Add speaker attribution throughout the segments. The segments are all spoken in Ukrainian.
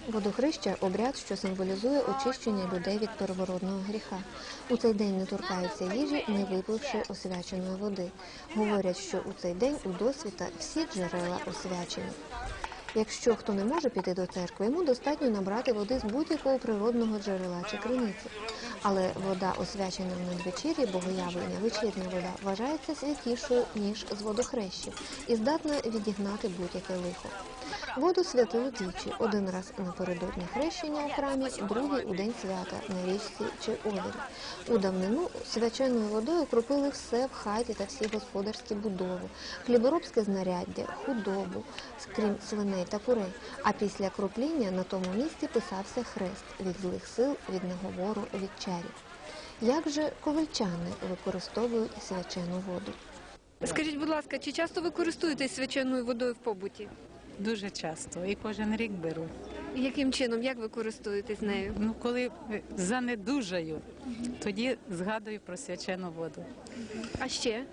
Speaker 1: Водохреща – обряд, що символізує очищення людей від первородного гріха. У цей день не торкаються їжі, не випивши освяченої води. Говорять, що у цей день у досвіта всі джерела освячені. Якщо хто не може піти до церкви, йому достатньо набрати води з будь-якого природного джерела чи криниці. Але вода, освячена в надвечір'ї, богоявлення, вечірня вода, вважається святішою, ніж з водохрещів, і здатна відігнати будь-яке лихо. Воду святили двічі – один раз напередодні хрещення у храмі, другий у день свята на річці чи озері. У давнину свяченою водою окропили все в хаті та всі господарські будови, хліборобське знаряддя, худобу, крім свиней та курей. А після кропління на тому місці писався хрест від злих сил, від наговору, від чарів. Як же ковальчани використовують свячену воду?
Speaker 2: Скажіть, будь ласка, чи часто ви користуєтесь свяченою водою в побуті?
Speaker 3: Дуже часто і кожен рік беру.
Speaker 2: Яким чином, як ви користуєтесь нею?
Speaker 3: Коли занедужаю, тоді згадую про свячену воду.
Speaker 2: А ще?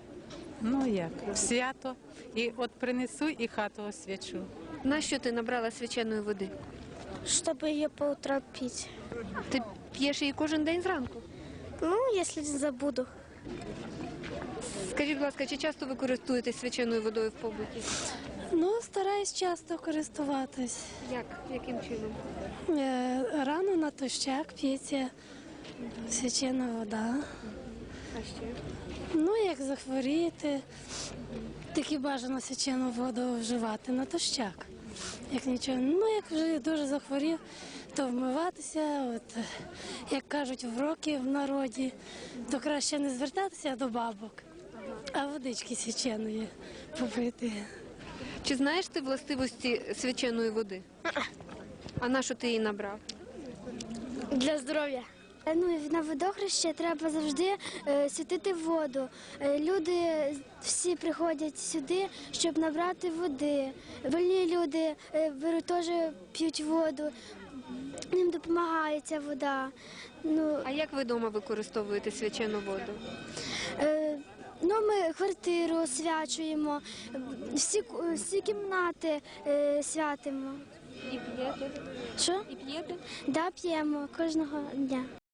Speaker 3: Як? Свято. І от принесу і хату освячу.
Speaker 2: Нащо ти набрала свяченої води?
Speaker 4: Чтобы ее по утрам пить.
Speaker 2: Ти п'єш її кожен день зранку?
Speaker 4: Если не забуду.
Speaker 2: Скажіть, будь ласка, чи часто ви користуєтесь свяченою водою в побуті?
Speaker 5: Стараюсь часто користуватись.
Speaker 2: Як? Яким чином?
Speaker 5: Рано натощак п'ється свячена вода.
Speaker 2: А ще?
Speaker 5: Як захворіти, таки бажано свячену воду вживати натощак. Як нічого. Як вже дуже захворів, то вмиватися, як кажуть в роки в народі, то краще не звертатися до бабок, а водички свяченої попити.
Speaker 2: Чи знаєш ти властивості свяченої води? А на що ти її набрав?
Speaker 4: Для здоров'я. На водохреще треба завжди святити воду. Люди всі приходять сюди, щоб набрати води. Больні люди беруть теж п'ють воду, їм допомагає ця вода.
Speaker 2: А як ви вдома використовуєте свячену воду?
Speaker 4: Ми квартиру освячуємо, всі кімнати святимо.
Speaker 2: І п'єте?
Speaker 4: Що?
Speaker 2: І п'єте?
Speaker 4: Да, п'ємо кожного дня.